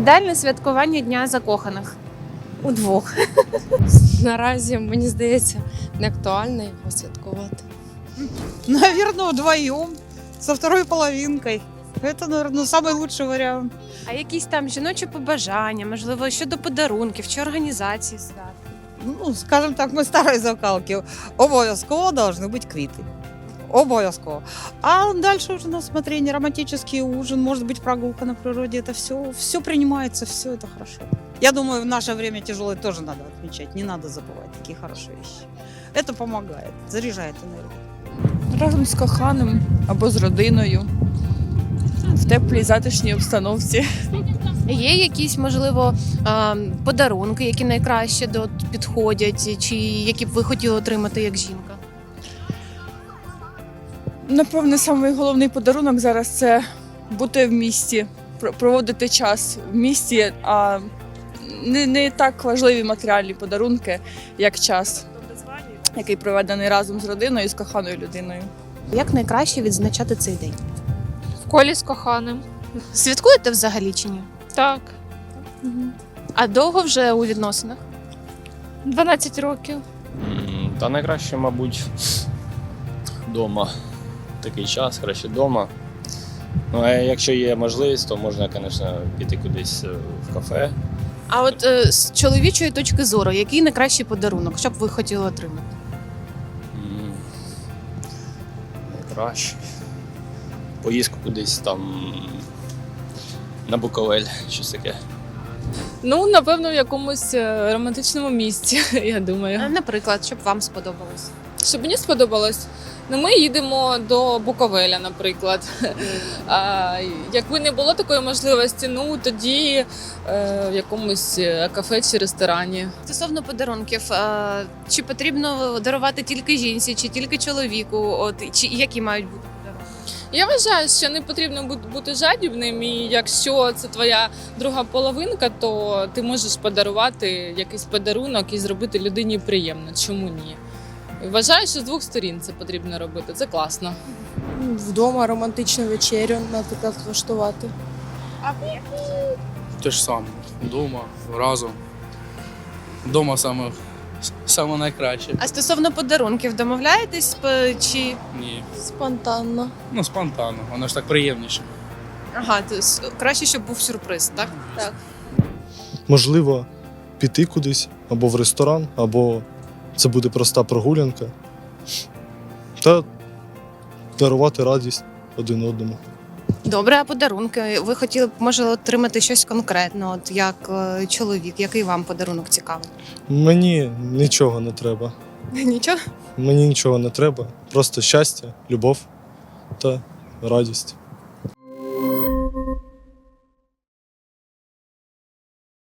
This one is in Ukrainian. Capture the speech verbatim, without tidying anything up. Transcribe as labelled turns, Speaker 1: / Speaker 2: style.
Speaker 1: Ідеальне святкування Дня закоханих. Удвох.
Speaker 2: Наразі, мені здається, не актуально його святкувати.
Speaker 3: Наверное, вдвоем, со второй половинкой. Это, наверное, самый лучший вариант.
Speaker 1: А якісь там жіночі побажання, можливо, щодо подарунків чи організації свят?
Speaker 3: Ну, скажем так, мы старой закалки. Обов'язково должны быть квиты. Обов'язково. А дальше уже на усмотрение, романтический ужин, может быть, прогулка на природе. Это все, все принимается, все это хорошо. Я думаю, в наше время тяжелое тоже надо отмечать. Не надо забывать такие хорошие вещи. Это помогает, заряжает энергию.
Speaker 4: Разом з коханим або з родиною в теплій затишній обстановці.
Speaker 1: Є якісь, можливо, а, подарунки, які найкраще до підходять, чи які б ви хотіли отримати як жінка?
Speaker 4: Напевне, самий головний подарунок зараз це бути в місті, про- проводити час в місті, а не, не так важливі матеріальні подарунки, як час, який проведений разом з родиною і з коханою людиною.
Speaker 1: Як найкраще відзначати цей день?
Speaker 2: В колі з коханим.
Speaker 1: Святкуєте взагалі чи ні?
Speaker 2: Так,
Speaker 1: А довго вже у відносинах?
Speaker 2: дванадцять років.
Speaker 5: М, Та найкраще, мабуть, вдома. Такий час, краще вдома. Ну, а якщо є можливість, то можна, звісно, піти кудись е, в кафе.
Speaker 1: А от е, з чоловічої точки зору, який найкращий подарунок, що б ви хотіли отримати?
Speaker 5: М, Найкраще. Поїздку кудись там на Буковель, щось таке.
Speaker 6: Ну, напевно, в якомусь е, романтичному місці, я думаю.
Speaker 1: Е, Наприклад, щоб вам сподобалось?
Speaker 6: Щоб мені сподобалось. Ну, ми їдемо до Буковеля, наприклад. А, якби не було такої можливості, ну тоді е, в якомусь е, кафе чи ресторані.
Speaker 1: Стосовно подарунків, е, чи потрібно дарувати тільки жінці, чи тільки чоловіку? От чи які мають бути подарунки?
Speaker 6: Я вважаю, що не потрібно бу- бути жадібним, і якщо це твоя друга половинка, то ти можеш подарувати якийсь подарунок і зробити людині приємно. Чому ні? Вважаю, що з двох сторін це потрібно робити. Це класно.
Speaker 2: Вдома романтичну вечерю, наприклад, влаштувати.
Speaker 7: Те ж саме. Вдома, разом. Вдома саме, саме найкраще.
Speaker 1: А стосовно подарунків, домовляєтесь п- чи
Speaker 7: Ні.
Speaker 2: Спонтанно.
Speaker 7: Ну, спонтанно, воно ж так приємніше.
Speaker 1: ага, то с- краще, щоб був сюрприз, так?
Speaker 2: Так.
Speaker 8: Можливо, піти кудись або в ресторан, або це буде проста прогулянка. Та дарувати радість один одному.
Speaker 1: Добре, а подарунки? Ви хотіли б, може, отримати щось конкретне, от як е, чоловік, який вам подарунок цікавий?
Speaker 8: Мені нічого не треба.
Speaker 1: Нічого?
Speaker 8: Мені нічого не треба. Просто щастя, любов та радість.